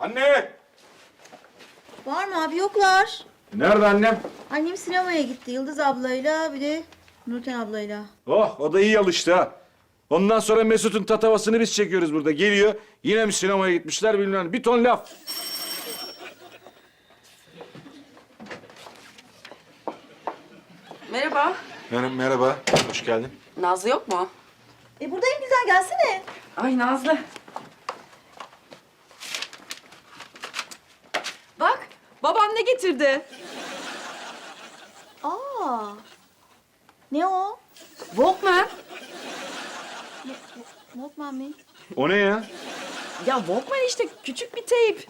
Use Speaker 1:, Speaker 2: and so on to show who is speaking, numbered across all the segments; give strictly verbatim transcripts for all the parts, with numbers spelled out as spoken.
Speaker 1: Anne!
Speaker 2: Var mı abi? Yoklar.
Speaker 1: Nerede annem?
Speaker 2: Annem sinemaya gitti. Yıldız ablayla bir de Nurten ablayla.
Speaker 1: Oh, o da iyi alıştı ha. Ondan sonra Mesut'un tatavasını biz çekiyoruz burada. Geliyor, yine mi sinemaya gitmişler bilmem. Bir ton laf.
Speaker 3: Merhaba.
Speaker 1: Merhaba, merhaba. Hoş geldin.
Speaker 3: Nazlı yok mu?
Speaker 2: E buradayım, güzel, gelsene.
Speaker 3: Ay Nazlı. Bak, babam ne getirdi?
Speaker 2: Aa. Ne o?
Speaker 3: Walkman.
Speaker 2: Walkman mi?
Speaker 1: O ne ya?
Speaker 3: Ya Walkman işte küçük bir teyp.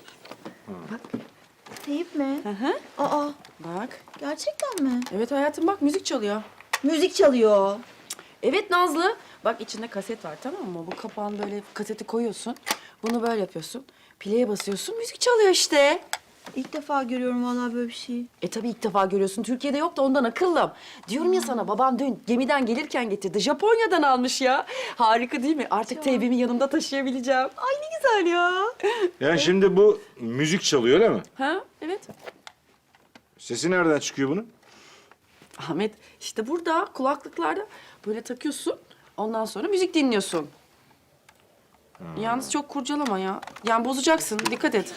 Speaker 2: Teyip mi?
Speaker 3: Hı hı.
Speaker 2: Aa,
Speaker 3: Bak.
Speaker 2: gerçekten mi?
Speaker 3: Evet hayatım bak müzik çalıyor.
Speaker 2: Müzik çalıyor.
Speaker 3: Evet Nazlı. Bak içinde kaset var tamam mı? Bu kapağını böyle kaseti koyuyorsun. Bunu böyle yapıyorsun. Play'e basıyorsun müzik çalıyor işte.
Speaker 2: İlk defa görüyorum vallahi böyle bir şey.
Speaker 3: E tabii ilk defa görüyorsun. Türkiye'de yok da ondan akıllım. Diyorum ya sana babam dün gemiden gelirken getirdi. Japonya'dan almış ya. Harika değil mi? Artık teybimi yanımda taşıyabileceğim. Ay ne güzel ya.
Speaker 1: Yani şimdi bu müzik çalıyor öyle mi?
Speaker 3: Ha evet.
Speaker 1: Sesi nereden çıkıyor bunun?
Speaker 3: Ahmet işte burada kulaklıklarda böyle takıyorsun. Ondan sonra müzik dinliyorsun. Yalnız çok kurcalama ya. Yani bozacaksın. Dikkat et.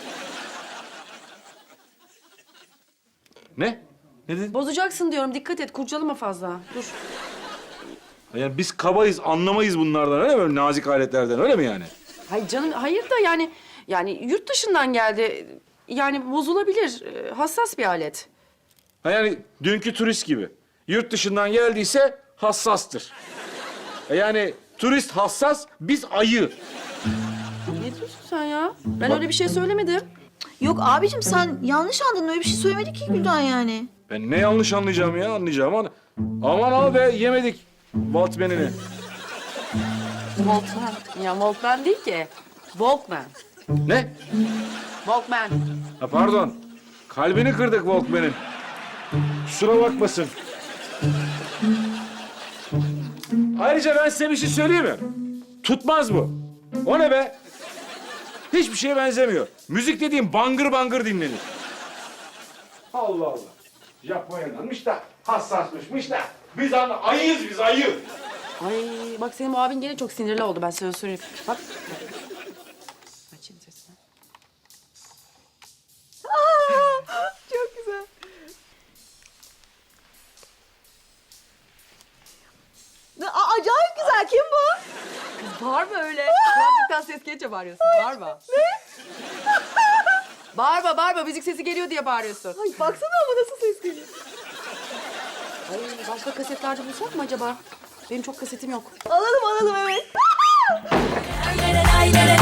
Speaker 1: Ne? Ne dedin?
Speaker 3: Bozacaksın diyorum. Dikkat et. Kurcalama fazla. Dur.
Speaker 1: Yani biz kabayız, anlamayız bunlardan öyle mi? Böyle nazik aletlerden öyle mi yani?
Speaker 3: Hayır canım, hayır da yani yani yurt dışından geldi. Yani bozulabilir. Ee, Hassas bir alet.
Speaker 1: Ha yani dünkü turist gibi. Yurt dışından geldiyse hassastır. E yani turist hassas, biz ayı.
Speaker 3: Ne diyorsun sen ya? Ben öyle bir şey söylemedim.
Speaker 2: Yok abicim, sen yanlış anladın. Öyle bir şey söylemedi ki Gülden yani.
Speaker 1: Ben ne yanlış anlayacağım ya, anlayacağım ama... Aman abi be, yemedik Walkman'ini.
Speaker 3: Walkman. Ya Walkman değil ki. Walkman.
Speaker 1: Ne?
Speaker 3: Walkman.
Speaker 1: Ha pardon, kalbini kırdık Walkman'in. Kusura bakmasın. Ayrıca ben size bir şey söyleyeyim mi? Tutmaz bu. O ne be? Hiçbir şeye benzemiyor. Müzik dediğim bangır bangır dinlenir. Allah Allah. Japonya'danmış da hassasmışmış da. Biz anla ayıyız biz ayı.
Speaker 3: Ay bak senin bu abin gene çok sinirli oldu ben sana söyleyeyim. Bak. Açayım sesini.
Speaker 2: Çok güzel. Aa, acayip güzel. Kim bu?
Speaker 3: Bağırma öyle. Kulaklıktan ses gelince bağırıyorsun. Bağırma. Ne? Bağırma, bağırma. Müzik sesi geliyor diye bağırıyorsun.
Speaker 2: Ay baksana ama nasıl ses geliyor.
Speaker 3: Ay, başka kasetlerde bulsak mı acaba? Benim çok kasetim yok.
Speaker 2: Alalım alalım, evet.